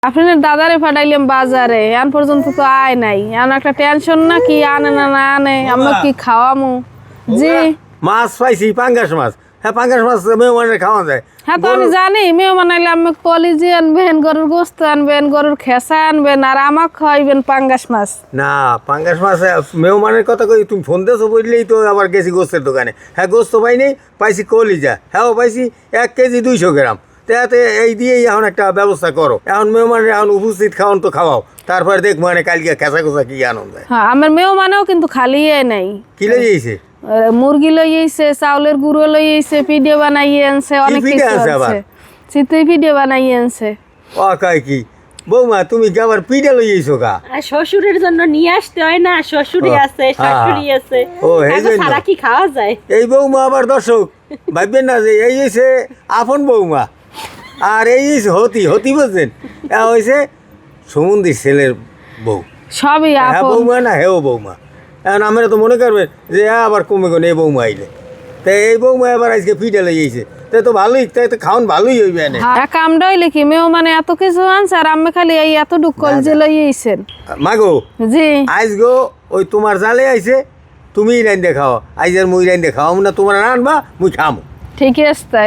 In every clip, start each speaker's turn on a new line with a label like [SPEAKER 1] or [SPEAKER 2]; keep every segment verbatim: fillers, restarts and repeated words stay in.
[SPEAKER 1] আপনার দাদারে পাঠাইলাম বাজারে এখন পর্যন্ত তো আয় নাই এখন একটা টেনশন না কি আনে না না আনে আমরা কি খাওয়ামু জি
[SPEAKER 2] মাছ পাইছি পাঙ্গাস মাছ হ্যাঁ পাঙ্গাস মাছ মেহমানের খাওয়া যায়
[SPEAKER 1] হ্যাঁ তো আমি জানি মেহমান আইলে আমি কলিজি আনবেন গরুর গোস্ত আনবেন গরুর খেসা আনবেন আর আমাকে খাওয়াইবেন পাঙ্গাস মাছ
[SPEAKER 2] না পাঙ্গাস মাছ মেহমানের কথা কই তুমি ফোন দিয়েছো বললেই তো আবার গেছি গোস্তের দোকানে হ্যাঁ গোস্ত পাইনি পাইছি কলিজা হ্যাঁ পাইছি এক কেজি দুইশো গ্রাম তাতে এই দিয়েই এখন একটা ব্যবস্থা করো এখন মেহমানের এখন উপস্থিত খাওয়ান তো খাওয়াও তারপরে দেখ মানে কালকে খেসা খোসা কি আনন্দ হয়
[SPEAKER 1] হ্যাঁ আমার মেহমানেও কিন্তু খালি নাই
[SPEAKER 2] কি লেগেছে
[SPEAKER 1] মুরগি লই আইছে চাউলের গুঁড়ো লই আইছে ভিডিও বানাইয়ে আনছে অনেক কিছু আছে চিতই ভিডিও বানাইয়ে আনছে
[SPEAKER 2] ও কয় কি বৌমা তুমি কি আবার পিঠা লই আইছো কা
[SPEAKER 3] শ্বশুরের জন্য নিয়ে আসতে হয় না শ্বশুরই আছে শাশুড়ি আছে
[SPEAKER 2] ও এই জন্য
[SPEAKER 3] সারা কি খাওয়া যায়
[SPEAKER 2] এই বৌমা আবার দর্শক ভাববেন না যে এই হইছে আপন বৌমা আর এই হইছে হতি হতি বলছেন এ হইছে সমুদ্রের ছেলের বউ
[SPEAKER 1] সবই
[SPEAKER 2] হ্যাঁ
[SPEAKER 1] আপন
[SPEAKER 2] বৌমা না হেও বৌমা এখন আমরা তো মনে করবেন যে হ্যাঁ আবার কমে গেল এই বৌমা আইলে তাই এই বৌমা এবার আজকে পিঠা লই আইছে তাই তো ভালোই তাই তো খাওয়ান ভালোই হইবে না
[SPEAKER 1] হ্যাঁ কামটা হইলে কি মেহমানে এত কিছু আনছে আর আমি খালি এই এত ডুক কলজে লই আইছেন
[SPEAKER 2] মাগো
[SPEAKER 1] জি
[SPEAKER 2] আইজ গো ওই তোমার জালে আইছে তুমি রাইন দেখাও আইজ আর মুই রাইন দেখাও না তোমার রানবা মুই খামো
[SPEAKER 1] ঠিকই আছে তাই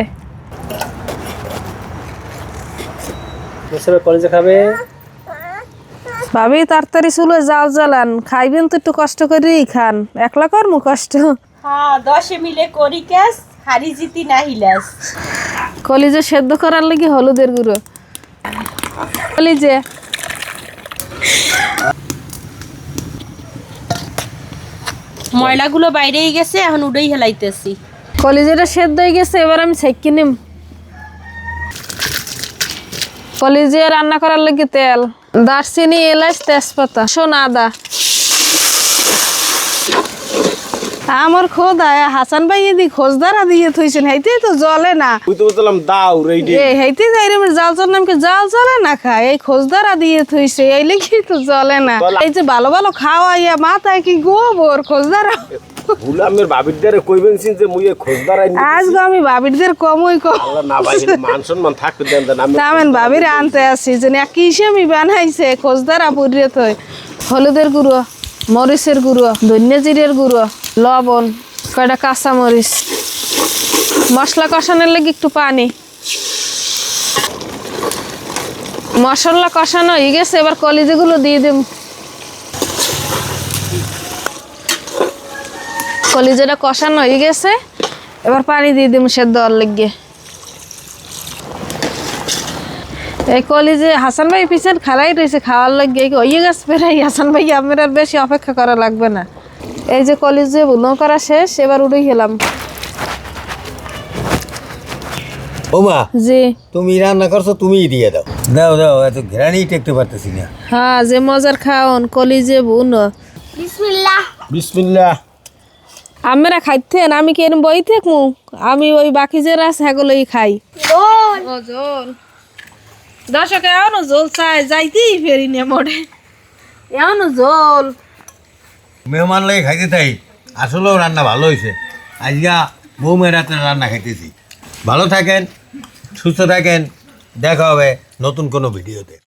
[SPEAKER 4] কলেজে খাবে
[SPEAKER 1] ভাবি তাড়াতাড়ি চুলো জাল জ্বালান খাইবেন তো একটু কষ্ট করেই খান একলা করমু কষ্ট
[SPEAKER 3] হ্যাঁ দশে মিলে করি কাজ হারি জিতি না হিলাস
[SPEAKER 1] কলিজে সেদ্ধ করার লাগি হলুদের গুঁড়ো কলিজে
[SPEAKER 3] ময়লাগুলো বাইরেই গেছে এখন উড়েই হেলাইতেছি
[SPEAKER 1] কলিজেটা সেদ্ধ হয়ে গেছে এবার আমি ছেঁকি নিম কলিজে রান্না করার লাগি তেল দারচিনি এলাচ তেজপাতা সোনা আদা আমার খোদা হাসান ভাই এদি খোঁজদারা দিয়ে থইছেন হেইতে তো জ্বলে না
[SPEAKER 2] তুই তো বললাম দাও রেডি
[SPEAKER 1] এ হেইতে যাই রে জাল চল নামকে জাল চলে না খায় এই খোঁজদারা দিয়ে থইছে এই লেগে তো জ্বলে না এই যে ভালো ভালো খাওয়াইয়া মাথায় কি গোবর খোঁজদারা
[SPEAKER 5] গুলামের বাবিরদারে কইবেন সিন যে মুই খোঁজদার আইনি
[SPEAKER 1] আজকে আমি ভাবিরদের কমই কম
[SPEAKER 5] আল্লাহ না ভাই মান সম্মান থাকতে দেন দেন আমি
[SPEAKER 1] তামেন ভাবির আনতে আসি যে না কিসে আমি বানাইছে খোঁজদারা পুরিয়ে থই হলুদের গুঁড়ো মরিচের গুঁড়ো ধনিয়া জিরের গুঁড়ো লবণ কয়টা কাঁচা মরিচ মশলা কষানোর লাগি একটু পানি মশলা কষানো হয়ে গেছে এবার কলিজিগুলো দিয়ে দিম কলিজাটা কষানো হয়ে গেছে এবার পানি দিয়ে দিম সেদ্ধ হওয়ার লাগিয়ে এই কলিজে হাসান ভাই পিছন খালাই রয়েছে খাওয়ার লাগিয়ে হয়ে গেছে প্রায় হাসান ভাই আমার আর বেশি অপেক্ষা করা লাগবে না এই যে কলিজে বুনো করা শেষ এবার উড়ে গেলাম
[SPEAKER 2] বৌমা
[SPEAKER 1] জি
[SPEAKER 2] তুমি রান্না করছো তুমিই দিয়ে দাও দাও দাও এত ঘেরানি টেকতে পারতেছি না
[SPEAKER 1] হ্যাঁ যে মজার খাওন কলিজে বুনো
[SPEAKER 5] বিসমিল্লাহ
[SPEAKER 1] আমরা খাইতেন আমি কি এরম বই থাকমু আমি ওই বাকি যে রাস হ্যাগুলোই খাই ও জোল দর্শক এমন জোল চাই যাইতেই ফেরি নে মোড়ে এমন জোল
[SPEAKER 2] মেহমান লাগে খাইতে তাই আসলেও রান্না ভালো হয়েছে আজকে বৌমের রাতে রান্না খাইতেছি ভালো থাকেন সুস্থ থাকেন দেখা হবে নতুন কোনো ভিডিওতে।